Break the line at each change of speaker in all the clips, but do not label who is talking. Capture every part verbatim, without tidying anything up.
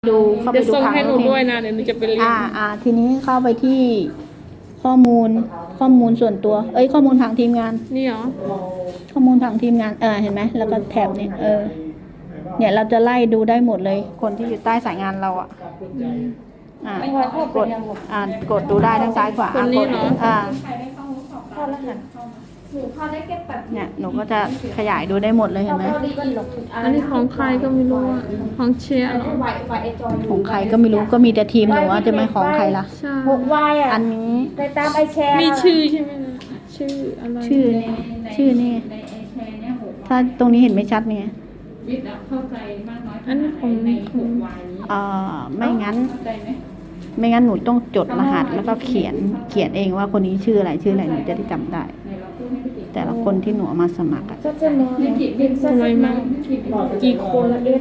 ดูเข้าไป
เดี๋ยว
ดู
ส่ง
ผัง
ให้หนู
เพลง
ด้วยนะเดี๋ยวหนูจะไปเรียน
อ่าอ่าทีนี้เข้าไปที่ข้อมูลข้อมูลส่วนตัว เอ้ยข้อมูลผังทีมงาน
นี่เหรอ
ข้อมูลผังทีมงานเออเห็นไหมแล้วก็แท็บเนี่ยเออเนี่ยเราจะไล่ดูได้หมดเลย คนที่อยู่ใต้สายงานเราอ่ะอ่ากดอ่ากดดูได้ทั้งซ้ายขวา
คนนี้เหรอ
อ่า
เข้ารหัสหนูเข้าได้แค่แบบ
เนี่ยหนูก็จะขยายดูได้หมดเลยเห็นไหม
เข้าดีกันหรอก
อันนี้ของใครก็ไม่รู้อ่ะของเชียร์เหรอ
ไวไวไอจอย
ของใครก็ไม่รู้ก็มีแต่ทีมหนูอะจะไม่ของใครล่ะ
ใช่
หกวายอ่ะ
อันนี้
ไปตามไอแชร์
มีชื่อใช่ไหมนะชื่ออะไร
ชื่อนี่ชื่อนี่ถ้าตรงนี้เห็นไม่ชัดเนี่ย
อันนี้ของของ
เอ่อไม่งั้น ไม่งั้นหนูต้องจดรหัสแล้วก็เขียนเขียนเองว่าคนนี้ชื่ออะไรชื่ออะไรหนูจะได้จำได้ แต่ละคนที่หนูเอามาสมัครอะ
ก็จะแนวเป็น
ทำไมมากี่คนละเอฟ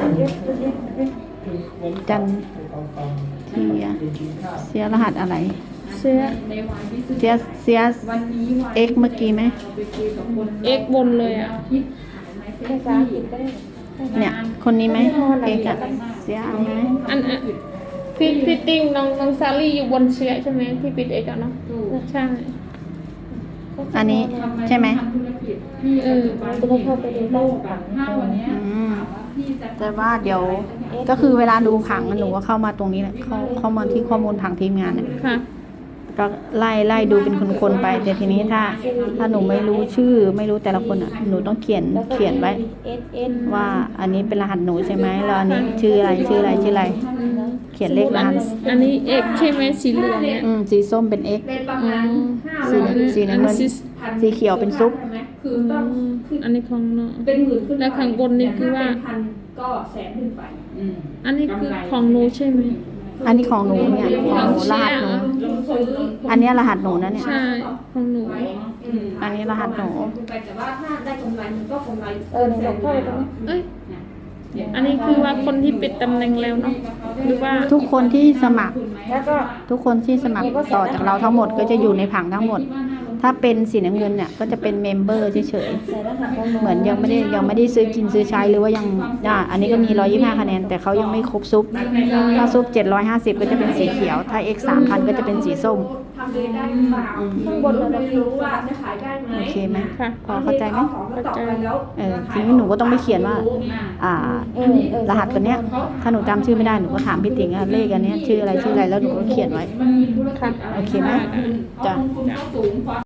จันเทียเสียรหัสอะไร
เชียร์
เสียเสียเอ็กเมื่อกี้ไหม
เอ็กบนเลยอ่ะ
ภาษาอังกฤษก็ได้
เนี่ย คนนี้ไหมเอ็กอะเสียอันนี้ไหม
อันอันพี่พี่ติ้งน้องน้องซาลี่อยู่บนเชียร์ใช่ไหมที่ปิดเอกอะเนาะใช่
อันนี้ใช่ไหม
เออ
จะได้เข้าไปดูได้ผัง
อืมแต่ว่าเดี๋ยวก็คือเวลาดูผังอะหนูก็เข้ามาตรงนี้แหละเข้าเข้ามาที่ข้อมูลผังทีมงานเนี่ย
ค่ะ
ก็ไล่ไล่ดูเป็นคนๆไปแต่ทีนี้ถ้า ถ้าหนูไม่รู้ชื่อ ไม่รู้แต่ละคนอ่ะหนูต้องเขียนเขียนไว้
เอสเอส
ว่าอันนี้เป็นรหัสหนูใช่ไหมแล้วอันนี้ชื่ออะไรชื่ออะไรชื่ออะไร เขียนเลขร
อัน
หัส
อันนี้เอกใช่ไหมสีเหลืองเนี่ย
อืมสีส้มเป็น x
อ๋อ
สีสีน้ำเงินสีเขียวเป็นซุป
อืมอันนี้ของน้อง
เป็นหมื่นขึ้นไป
แล้วข้างบนนี่คือว่า
แต่ถ้เป็นพันก็แสนขึ้นไป
อันนี้คือของหนูใช่ไหม
อันนี้ของหนูเนี่ยของหนูรหัสหนู
ลงซื้อ
อันเนี้ยรหัสหนูนะเนี่ย
ใช่ของหนู
อืม
อันนี้รหัสหนู
ขึ้นไปแต่ว่าถ้าได้กำไรมันก็กำไร
เออหนูลองเข้าไปตรงนี้
เอ้ยอันนี้คือว่าคนที่ปิดตำแหน่งแล้วเนาะหรือว่า
ทุกคนที่สมัคร
แล้วก็
ทุกคนที่สมัครต่อจากเราทั้งหมดก็จะอยู่ในผังทั้งหมด ถ้าเป็นสีน้ำเงินเนี่ยก็จะเป็นเมมเบอร์เฉย
ใส่รหัสของหนู
ๆเหมือนยังไม่ได้ยังไม่ได้ซื้อกินซื้อใช้หรือว่ายังอ่าอันนี้ก็มีหนึ่งร้อยยี่สิบห้าคะแนนแต่เขายังไม่ครบซุปถ้าซุปเจ็ดร้อยห้าสิบก็จะเป็นสีเขียวถ้า x สามพันก็จะเป็นสีส้ม
ทำเลยได้หรือเปล่า
อืม
ข้างบนเราไม่รู้ว่าจะขายได้ไหม
โอเคไหม
ค่ะ
พอเข้าใจไหม
อของมาต่อไปแล้ว
เออทีนี้หนูก็ต้องไปเขียนว่า อ่า
เออเออ
รหัสตัวเนี้ย ถ้าหนูจำชื่อไม่ได้หนูก็ถามพี่ติ๋งอะเลขอันเนี้ยชื่ออะไรชื่ออะไรแล้วหนูก็เขียนไว้
มันมีธุรกิจอะไร
โอเคไหม
เพราะ
จ้ะ
ลงทุนก็สูงกว่า